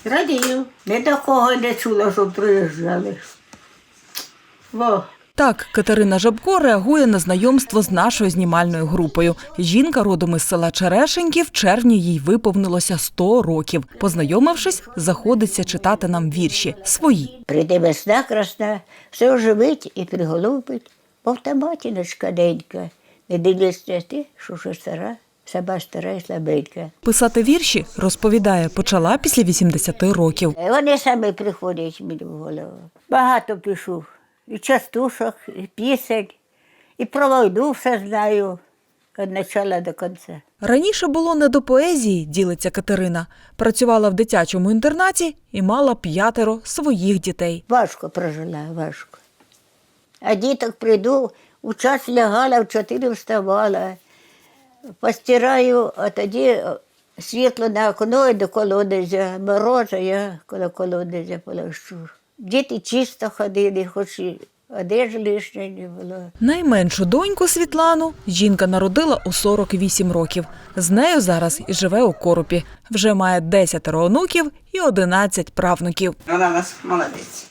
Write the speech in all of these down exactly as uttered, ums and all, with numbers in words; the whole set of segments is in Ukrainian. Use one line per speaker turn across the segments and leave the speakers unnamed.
Радію. Не такого не чула, щоб приїжджали. Во.
Так, Катерина Жабко реагує на знайомство з нашою знімальною групою. Жінка родом із села Черешеньки, в червні їй виповнилося сто років. Познайомившись, заходиться читати нам вірші свої.
Прийде весна красна, все оживить і приголубить, мов та матіночка денька. Не дивлюся ти, що вже стара, сама стара і слабенька.
Писати вірші, розповідає, почала після вісімдесяти років.
Вони самі приходять мені в голову. Багато пишу. І частушок, і пісень, і про війну все знаю, від початку до кінця.
Раніше було не до поезії, ділиться Катерина. Працювала в дитячому інтернаті і мала п'ятеро своїх дітей.
Важко прожила, важко. А діток прийду, у час лягала, в чотири вставала, постираю, а тоді світло на окно і до колодязя, мороза, я коло колодязя полощу. Діти чисто ходили, хоч і одежі лишньої не було.
Найменшу доньку Світлану жінка народила у сорок вісім років. З нею зараз і живе у Коропі. Вже має десятеро онуків і одинадцять правнуків.
Вона у нас молодець.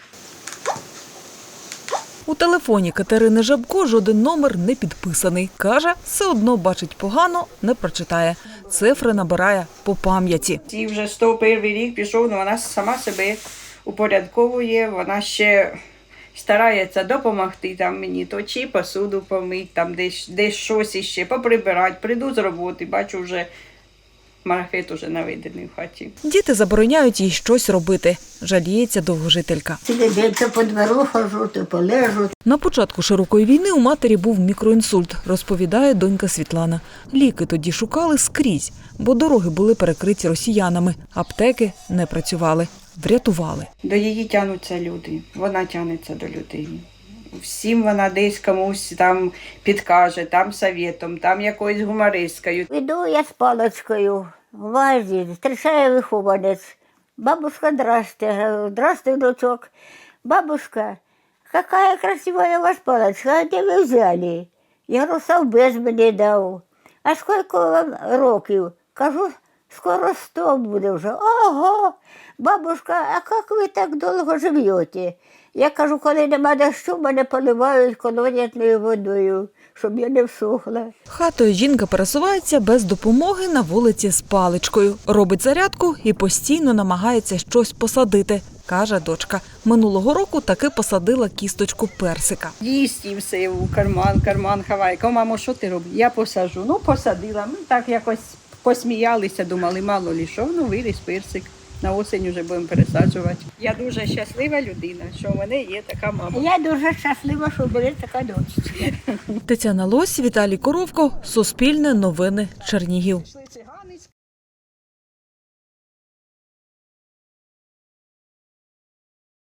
У телефоні Катерини Жабко жоден номер не підписаний. Каже, все одно бачить погано, не прочитає. Цифри набирає по пам'яті.
І вже сто перший рік пішов, але вона сама себе упорядковує, вона ще старається допомогти там мені, то чи посуду помити, там десь, десь щось іще, поприбирати. Прийду з роботи, бачу вже марафет уже наведений в хаті.
Діти забороняють їй щось робити, жаліється довгожителька.
Цілий день то по двору хожу, то полежу.
На початку широкої війни у матері був мікроінсульт, розповідає донька Світлана. Ліки тоді шукали скрізь, бо дороги були перекриті росіянами, аптеки не працювали. Врятували.
До її тягнуться люди, вона тягнеться до людей. Всім вона десь комусь там підкаже, там совєтом, там якоюсь гумористкою.
Іду я з паличкою в вазі, зустрічає вихованець. Бабушка, здрасте. Говорю, здравствуй, дочок. Бабушка, какая красивая у вас палочка, а де ви взяли? Я говорю, совбез мені дав. А скільки вам років? Кажу, скоро сто буде вже. Ого, бабушка, а як ви так довго живете? Я кажу, коли нема дощу, мене поливають колодясною водою, щоб я не всохла.
Хатою жінка пересувається без допомоги на вулиці з паличкою. Робить зарядку і постійно намагається щось посадити, каже дочка. Минулого року таки посадила кісточку персика.
Їсть і все, у карман, карман хаває. Кажу, мамо, що ти робиш? Я посажу. Ну, посадила. Ми так якось посміялися, думали, мало ли що, ну виріс персик. На осінь вже будемо пересаджувати. Я дуже щаслива людина, що в мене є така мама.
Я дуже щаслива, що була така дочка.
Тетяна Лось, Віталій Коровко, Суспільне новини, Чернігів.